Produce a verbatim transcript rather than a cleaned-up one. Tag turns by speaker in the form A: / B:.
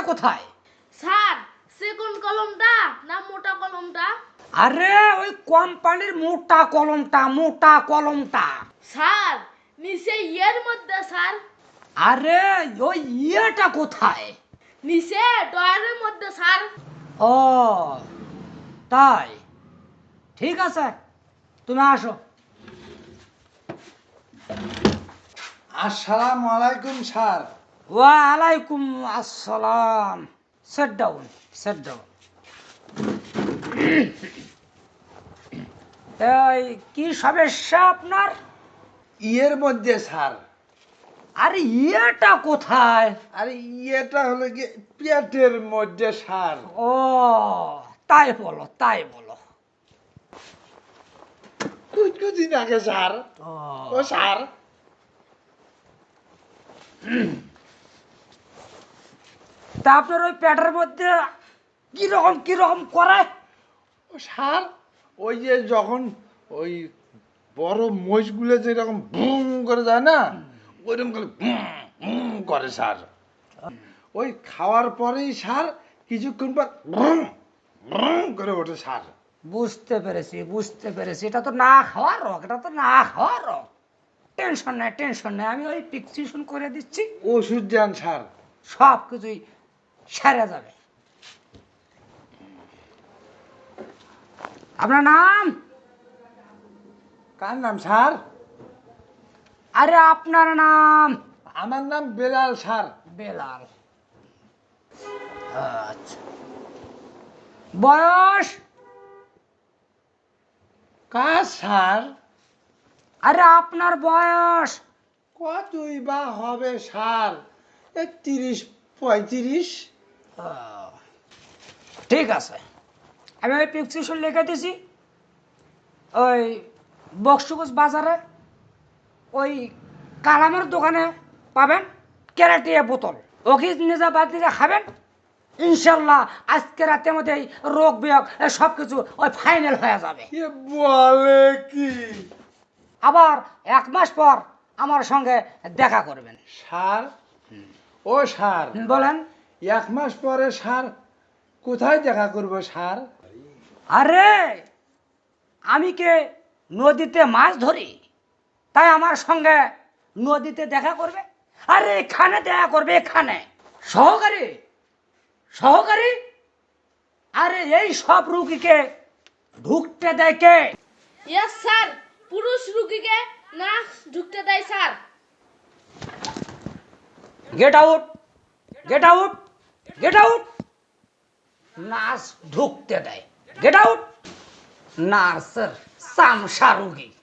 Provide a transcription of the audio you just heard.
A: কোথায়?
B: Sir second কলমটা না মোটা কলমটা?
A: আরে ওই কোম্পানির মোটা কলমটা, মোটা কলমটা।
B: স্যার নিচে ইয়ের মধ্যে স্যার।
A: আরে ওই ইয়েটা কোথায়?
B: নিচে ডয়ারের মধ্যে স্যার।
A: ও তাই, ঠিক আছে, তুমি আসো।
C: আসসালামু আলাইকুম স্যার।
A: ওয়ালাইকুম আসসালাম। Sit down, sit down. এই কি সমস্যা আপনার?
C: ইয়ের মধ্যে স্যার।
A: আরে ইয়েটা কোথায়?
C: আরে ইয়েটা হলো কি পেটের মধ্যে স্যার।
A: ও তাই বলো, তাই বলো।
C: কুচকুচি নাকে স্যার।
A: ও
C: ও স্যার,
A: তা আপনার ওই পেটের মধ্যে কিরকম কিরকম করে?
C: ও স্যার, ওই যে যখন ওই বড় মহিষগুলো যেরকম বুম করে যায় না, ওইরকম করে বুম বুম করে স্যার। ওই খাওয়ার পরেই স্যার কিছুক্ষণ পর বুম বুম করে ওঠে স্যার।
A: বুঝতে পেরেছি, বুঝতে পেরেছি, এটা তো না খাওয়ার রোগ, এটা তো না খাওয়ার রোগ। টেনশন নেই, টেনশন নেই, আমি ওই প্রেসক্রিপশন করে দিচ্ছি,
C: ওষুধ দেন স্যার।
A: সব কিছুই সেরে যাবে। আপনার নাম?
C: কার নাম স্যার?
A: আরে আপনার নাম?
C: আমার নাম বেলাল স্যার।
A: বেলাল। আচ্ছা, বয়স?
C: কার স্যার?
A: আরে আপনার বয়স?
C: কতই বা হবে স্যার? এই তিরিশ পঁয়ত্রিশ।
A: আহ, ঠিক আছে, আমি ওই প্রেসক্রিপশন লিখে দিছি। ওই বক্সটুকুস বাজারে ওই কালামের দোকানে পাবেন ক্যারাটিয়া বোতল, ওকে নিজে বাড়িতে খাবেন, ইনশাল্লাহ আজকে রাতের মধ্যে এই রোগ বিয়োগ সব কিছু ওই ফাইনাল হয়ে যাবে।
C: এ বলে কি?
A: আবার এক মাস পর আমার সঙ্গে দেখা করবেন।
C: স্যার, ও স্যার,
A: বলেন।
C: এক মাস পরে স্যার কোথায় দেখা করব স্যার?
A: আরে আমি কে নদীতে মাছ ধরি, তাই আমার সঙ্গে নদীতে দেখা করবে? আরে এখানে দেখা করবে, এখানে। সহকারী, সহকারী, আরে এই সব রুগীকে ঢুকতে দেয় কে?
B: ইয়েস স্যার, পুরুষ রুগীকে না ঢুকতে দেয় sir.
A: Get out, get out, get out. Nurse ঢুকতে দেয়, গেট আউট। নার্সের চামচা রুগী।